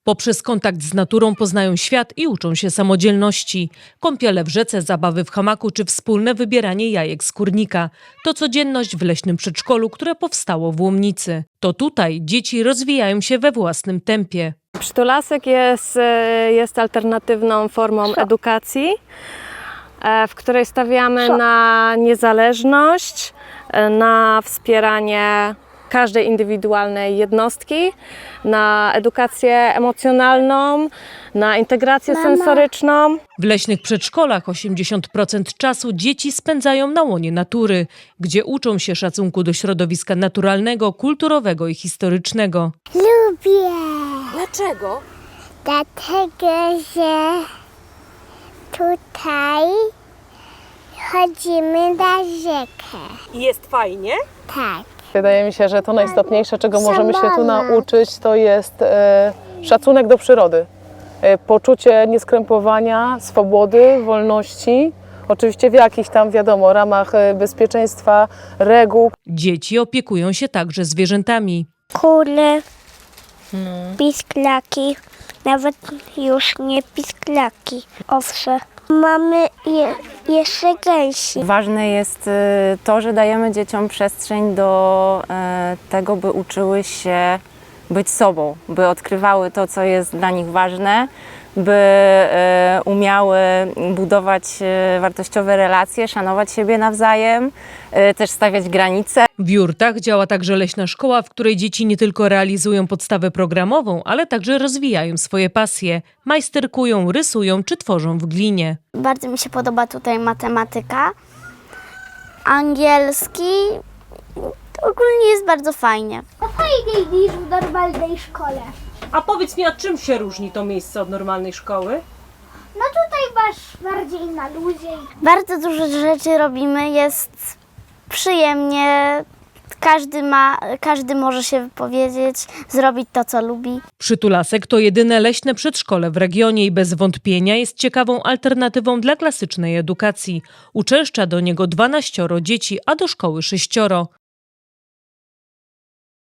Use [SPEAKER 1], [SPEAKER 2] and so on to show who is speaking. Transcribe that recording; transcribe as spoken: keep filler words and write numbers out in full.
[SPEAKER 1] Poprzez kontakt z naturą poznają świat i uczą się samodzielności. Kąpiele w rzece, zabawy w hamaku czy wspólne wybieranie jajek z kurnika. To codzienność w leśnym przedszkolu, które powstało w Łomnicy. To tutaj dzieci rozwijają się we własnym tempie.
[SPEAKER 2] Przytulasek jest, e, jest alternatywną formą edukacji, e, w której stawiamy na niezależność, e, na wspieranie każdej indywidualnej jednostki, na edukację emocjonalną, na integrację
[SPEAKER 3] Mama.
[SPEAKER 2] sensoryczną.
[SPEAKER 1] W leśnych przedszkolach osiemdziesiąt procent czasu dzieci spędzają na łonie natury, gdzie uczą się szacunku do środowiska naturalnego, kulturowego i historycznego.
[SPEAKER 3] Lubię,
[SPEAKER 2] Dlaczego?
[SPEAKER 3] dlatego że tutaj chodzimy na rzekę.
[SPEAKER 2] I jest fajnie?
[SPEAKER 3] Tak.
[SPEAKER 4] Wydaje mi się, że to najistotniejsze, czego możemy się tu
[SPEAKER 3] Zabawne.
[SPEAKER 4] nauczyć, to jest e, szacunek do przyrody. E, poczucie nieskrępowania, swobody, wolności. Oczywiście w jakichś tam, wiadomo, ramach e, bezpieczeństwa, reguł.
[SPEAKER 1] Dzieci opiekują się także zwierzętami.
[SPEAKER 3] Kule, pisklaki, nawet już nie pisklaki, owsze. Mamy je, jeszcze gęsi.
[SPEAKER 5] Ważne jest y, to, że dajemy dzieciom przestrzeń do y, tego, by uczyły się być sobą, by odkrywały to, co jest dla nich ważne, by y, umiały budować y, wartościowe relacje, szanować siebie nawzajem, y, też stawiać granice.
[SPEAKER 1] W Jurtach działa także leśna szkoła, w której dzieci nie tylko realizują podstawę programową, ale także rozwijają swoje pasje. Majsterkują, rysują czy tworzą w glinie.
[SPEAKER 3] Bardzo mi się podoba tutaj matematyka, angielski. Ogólnie jest bardzo fajnie.
[SPEAKER 6] Fajniej niż w normalnej szkole.
[SPEAKER 2] A powiedz mi, a czym się różni to miejsce od normalnej szkoły?
[SPEAKER 6] No tutaj masz bardziej na luzie.
[SPEAKER 3] Bardzo dużo rzeczy robimy, jest przyjemnie. Każdy ma, każdy może się wypowiedzieć, zrobić to, co lubi.
[SPEAKER 1] Przytulasek to jedyne leśne przedszkole w regionie i bez wątpienia jest ciekawą alternatywą dla klasycznej edukacji. Uczęszcza do niego dwanaścioro dzieci, a do szkoły sześcioro.